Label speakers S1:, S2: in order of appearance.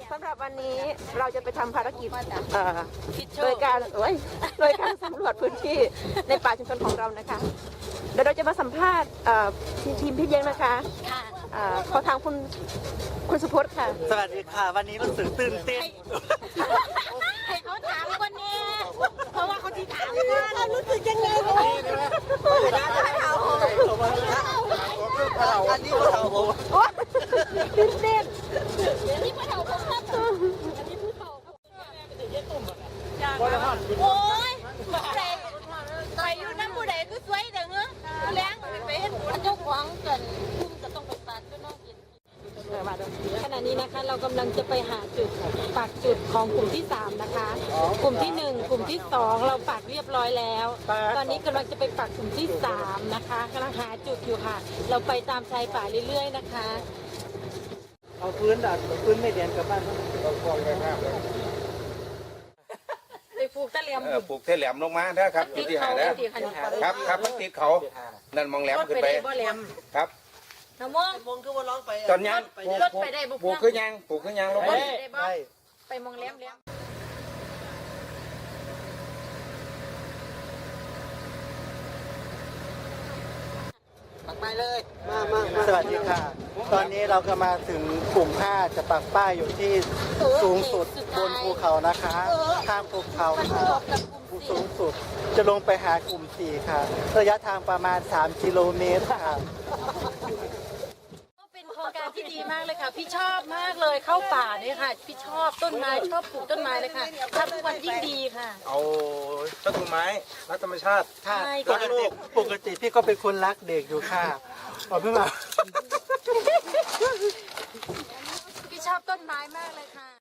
S1: สำหรับวันนี้เราจะไปทำภารกิจโดยการสำรวจพื้นที่ในป่าชุมชนของเรานะคะเดี๋ยวเราจะมาสัมภาษณ์ทีมพี่เลี้ยงนะคะขอทางคุณสุพจน์ค่ะ
S2: สวัสดีค่ะวันนี้รู้สึกตื่นเต้น
S3: ให้เขาถามคนนี้เพราะว่าเขาที่ถามว่ารู้สึกยังไง
S2: อันนี้ก็เราผม
S1: ตื่นเต้น
S3: นี่ผู้เฒ่าผมครับอันนี้ผู้เฒ่าโอ้ยใครอยู่น้ำผู้ใดก็สวยเด้อเงี้ยแรงไปเห็นเจ้าของกันคุ้มจะต้องไปปาดก็น้องกินขณะนี้นะคะเรากำลังจะไปหาจุดปักจุดของกลุ่มที่3นะคะกลุ่มที่1กลุ่มที่2เราปักเรียบร้อยแล้วตอนนี้กำลังจะไปปักกลุ่มที่3นะคะกำลังหาจุดอยู่ค่ะเราไปตามชายป่าเรื่อยๆนะคะ
S2: เอาพื้นพื้นไม่เดียนกับบ้านเราคลองไปข้ามเลย
S3: ไปปลูกตะเหลี่ยม
S4: ปลูกเทแหลมลงมานะครับอยู่ที่หานะครับครับมันติดเขานั่นมองแหลมขึ้นไปครับ
S3: น้ำม่วง
S2: คือว่าร้องไป
S4: ตอนยัง
S3: รถไปได้บุก
S4: ปลูกขึ้นยังลงไป
S3: ไปมองแหลม
S2: ปักไม้เลยมาสวัสดีค่ะตอนนี้เราก็มาถึงกลุ่ม5จะปักป้ายอยู่ที่สูงสุดบนภูเขานะคะข้ามภูเขาค่ะสูงสุดจะลงไปหากลุ่ม4ค่ะระยะทางประมาณ3 กิโลเมตรค่ะ
S3: เป็นโครงการที่ดีมากเลยค่ะพี่ชอบมากเลยเข้าป่าเนี่ยค่ะพี่ชอบต้นไม้ชอบปลูกต้นไม้เลยค่ะทำทุกวันยิ่งดีค่ะ
S4: เอาต้นไม้รักธรรมชาติ
S2: ค่ะปกติพี่ก็เป็นคนรักเด็กอยู่ค่ะเพิ่งมา
S3: พี่ชอบต้นไม้มากเลยค่ะ